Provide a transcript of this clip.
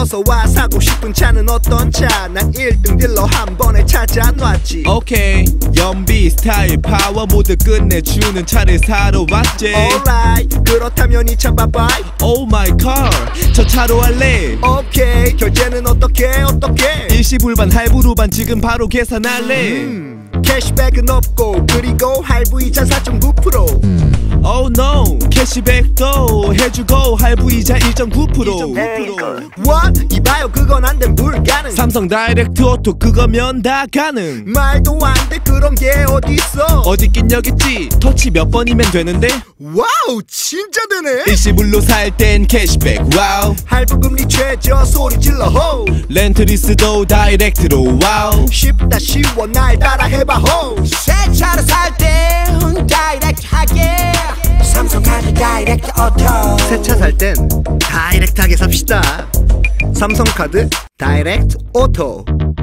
어서와 사고 싶은 차는 어떤 차? 난 1등 딜러 한 번에 찾아놨지. 오케이 연비 스타일 파워 모두 끝내주는 차를 사러 왔지. Alright 그렇다면 이 차 봐봐이. Oh my car 저 차로 할래. 오케이 결제는 어떻게 일시불반 할부로반 지금 바로 계산할래. 캐시백은 없고 그리고 할부이자 4.9%. Oh no 캐시백도 해주고 할부이자 1.9%. What? 이봐요 그건 안된 불가능. 삼성 다이렉트 오토 그거면 다 가능. 말도 안 돼 그런 게 어딨어. 어디 있긴 여기 있지. 터치 몇 번이면 되는데. 와우 진짜 되네. 일시불로 살 땐 캐시백 와우. 할부금리 최저 소리 질러 호. 렌트리스도 다이렉트로 와우. 쉽다 쉬워 날 따라 해봐 호. 새 차를 살 땐 다이렉트 하게 삼성카드 다이렉트 오토. 새 차 살 땐 다이렉트하게 삽시다. 삼성카드 다이렉트 오토.